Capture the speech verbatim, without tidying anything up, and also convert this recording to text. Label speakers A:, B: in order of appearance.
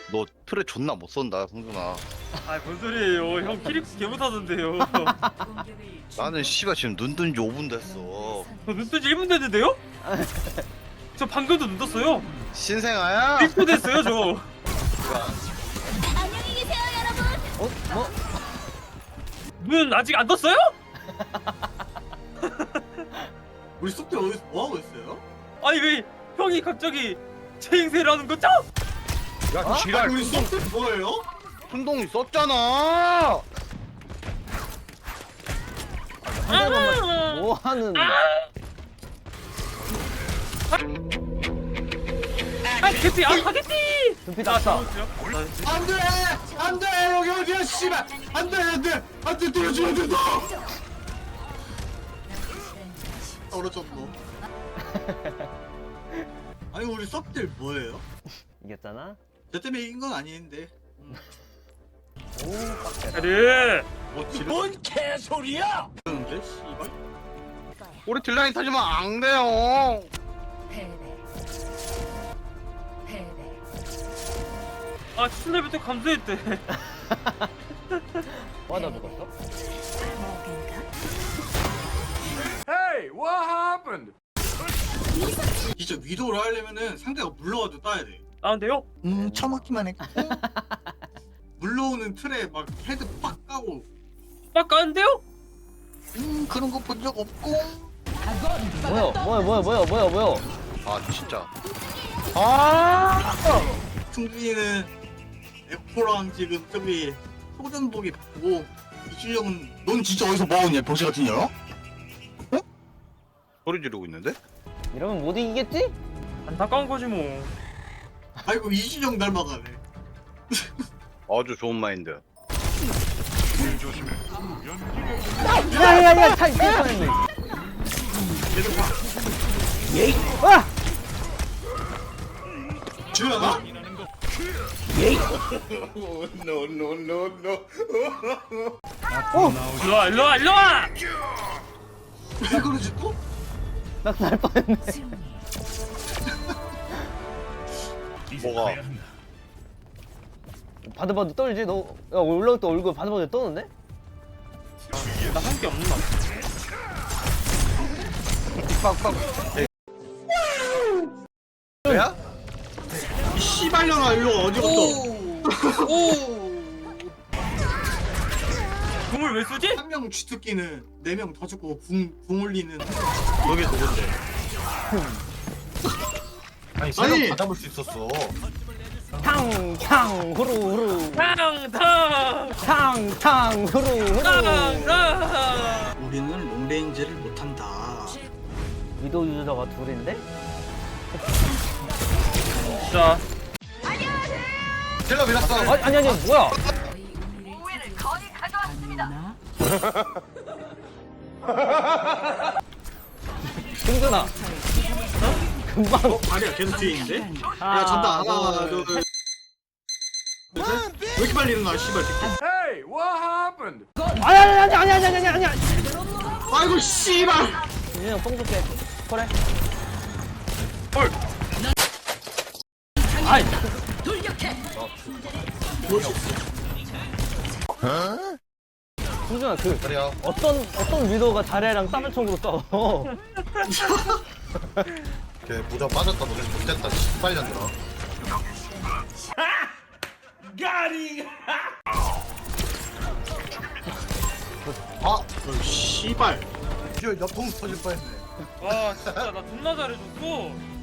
A: 너 틀에 존나 못 쏜다 성준아.
B: 아뭔 소리예요? 형 키릭스 개 못하던데요.
A: 나는 씨발 지금 눈 뜬 지 오 분 됐어.
B: 저 눈뜨지 일 분 됐는데요? 저 방금도 눈 떴어요.
A: 신생아야?
B: 일 분 됐어요 저.
C: 안녕히 계세요, 여러분.
D: 어? 뭐?
B: 눈 아직 안 떴어요?
E: 우리 숲들 어디서 뭐 하고 있어요?
B: 아니 왜 형이 갑자기 제 행세를 하는 거죠?
A: 야
D: 어?
A: 지랄.
E: 아니 우리 숲들 뭐예요?
A: 순동이 썼잖아.
B: 아,
D: 뭐 하는?
B: 아 개띠 아 가겠지.
D: 눈빛 아싸.
E: 안돼! 안돼! 여기 어디야 씨발! 안돼 안돼! 안돼 떨어지면 된다! 떨어졌노. 아니 우리 숲들 뭐예요?
D: 이겼잖아.
E: 저 때문에 이긴 건 아닌데.
D: 오, 빡세다.
B: 그래.
E: 뭐 지금 뭔 개소리야! 그런데 씨발.
A: 우리 딜라인 타지면 안 돼요.
B: 아 추천레벨 또 감소했대.
D: 와, 나 죽었어?
E: 진짜 위도를 하려면은 상대가 물러와도 따야 돼.
B: 나은데요?
E: 음 처먹기만 했고 물러오는 틀에 막 헤드 빡 까고
B: 막 가는데요?
E: 음 그런 거 본 적 없고
D: 뭐야, 뭐야, 뭐야, 뭐야, 뭐야, 뭐야?
A: 아 진짜.
B: 아.
E: 승준이는 에코랑 지금 저기 소전복이 바꾸고 이준영은 넌 진짜 어디서 뭐하냐 병신 같은 년?
A: 소리 지르고 있는데?
D: 이러면 못 이기겠지?
B: 안타까운 거지 뭐.
E: 아이고 이준영 닮아가네.
A: 아주 좋은 마인드.
D: 야, 야, 야, 차이, 차이 뻔했네. 와!
E: 주연아?
B: 일로와 일로와 일로와.
E: 왜 그러지 또?
D: 나살 뻔했네.
A: 뭐가?
D: 바들바들 떨지? 너, 야, 올라올 때 얼굴 바들바들 떠는데?
B: 나 한 게 없나?
A: 빡빡. 뭐야?
E: 이 씨발년아 일로 어디 갔어?
B: 궁을 왜 쓰지?
E: 한 명 쥐뜯기는 네 명 더 죽고 궁, 궁 올리는
A: 너게 누군데? 아니
E: 세명 아니! 다
A: 잡을 수 있었어.
D: 탕, 탕, 후루, 후루.
B: 탕탕
D: 탕, 탕, 후루, 후루.
B: 탕탕.
E: 우리는 롱레인지를 못한다.
D: 위도 유저가 둘인데?
B: 자
A: 딜러 밀었어.
D: 아니, 아니, 아니, 뭐야? 승준아. 어? 금방.
E: 어? 아니야 계속 뒤에 있는데?
D: 아,
E: 야 잔다 하나
D: 어,
E: 둘 셋. 왜 이렇게 빨리 일어나 씨발 새끼.
D: 아니, 아니, 아니, 아니, 아니, 아니, 아니.
E: 아이고 씨발.
D: 윤영 뽕 줄게. 그래.
B: 헐.
D: 아이. 승준아, 그
A: 그래요.
D: 어떤 어떤 위도가 자네랑 땀을 총으로 싸워.
A: 걔 모자 빠졌다 너네 못됐다. 빨리 들어. 아,
E: 어, 씨발.
A: 저 옆통 터질 뻔했네.
B: 와 진짜 나 존나 잘해줬어.